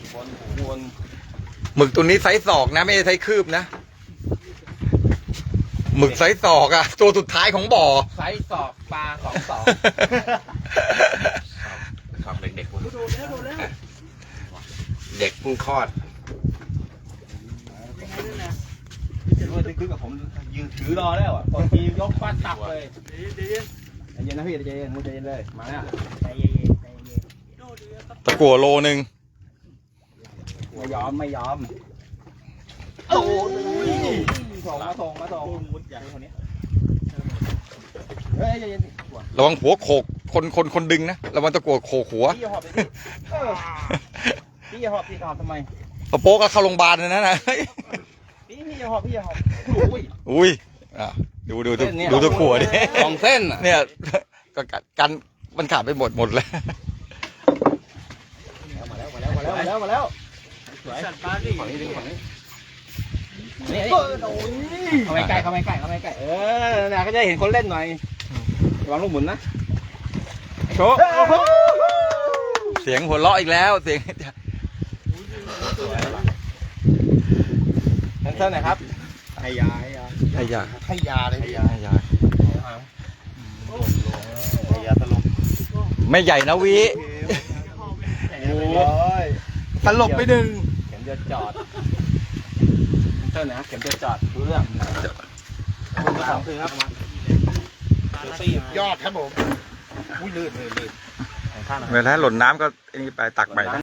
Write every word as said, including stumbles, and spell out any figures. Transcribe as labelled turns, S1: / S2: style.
S1: วนวน
S2: หมึกตัวนี้ไซส์ศอกนะไม่ใช่ไซส์คืบนะหมึกไซส์ศอกอะตัวสุดท้ายของบ่อ
S1: ไซส์ศอกปลาสองศอกชอบเด็กๆโดนแล้วโดนแล้วเด็กเพิ่งคลอดว่าจะขึ้นกับผมยืนถือรอแล้วอ่ะตอนทียกฟาดตับเลยใจเย็นใจเย็นนะพี่ใจเย็นมุใจเย็นเลยมาแล้วใจเย็นใจเย็น
S2: ตะกั่วโลนึง
S1: ไม่ยอมไม่ยอมโอ้ยส่งมาส่งมาส่งมุดอย่างคนนี้เฮ้ยใจเย็น
S2: ระวังหัวโขกคนคนคนดึงนะระวังตะกั่วโขกหัว
S1: พี่หอบเลยพี่พี่หอบพี่หอบทำไม
S2: ปะโป๊กก็เข้าโรงพยาบาลเลยนะนะ
S1: พี่พี่หอบพี่หอบอุ้ย
S2: อุ้ยอ่ะดูดูดูดูตะกั่วดิ
S1: สองเส้นอ่ะ
S2: เนี่ยก็กันมันขาดไปหมดหมดเลย
S1: มาแล้วมาแล้วมาแล้วมาแล้วมาแล้วสวยสัตว์ปลาดิฝั่งนี้ฝั่งนี้นี่เข้าไม่ใกล้เข้าไม่ใกล้เข้าไม่ใกล้เออเนี่ยก็จะเห็นคนเล่นหน่อยระวังลูกหมุนนะโชว์
S2: เสียงหัวเราะอีกแล้วเสียง
S1: แคนเซิลหน่อยครับให้ยาให้ยา
S2: ให้ยา
S1: ให้ยาเลยให้ยา
S2: ให้ยา
S1: ให้ยาตลบ
S2: ไม่ใหญ่นะวิ
S1: โอ้ย
S2: ตลบไปหนึ่ง
S1: เข็มจะจอดแคนเซิลหน่อยครับเข็มจะจอดรู้เรื่องสองคือครับยอดครับผมอุ้ยลื่นลื่นลื่น
S2: เวลาหล่นน้ำก็อันนี้ไปตักใหม่นะ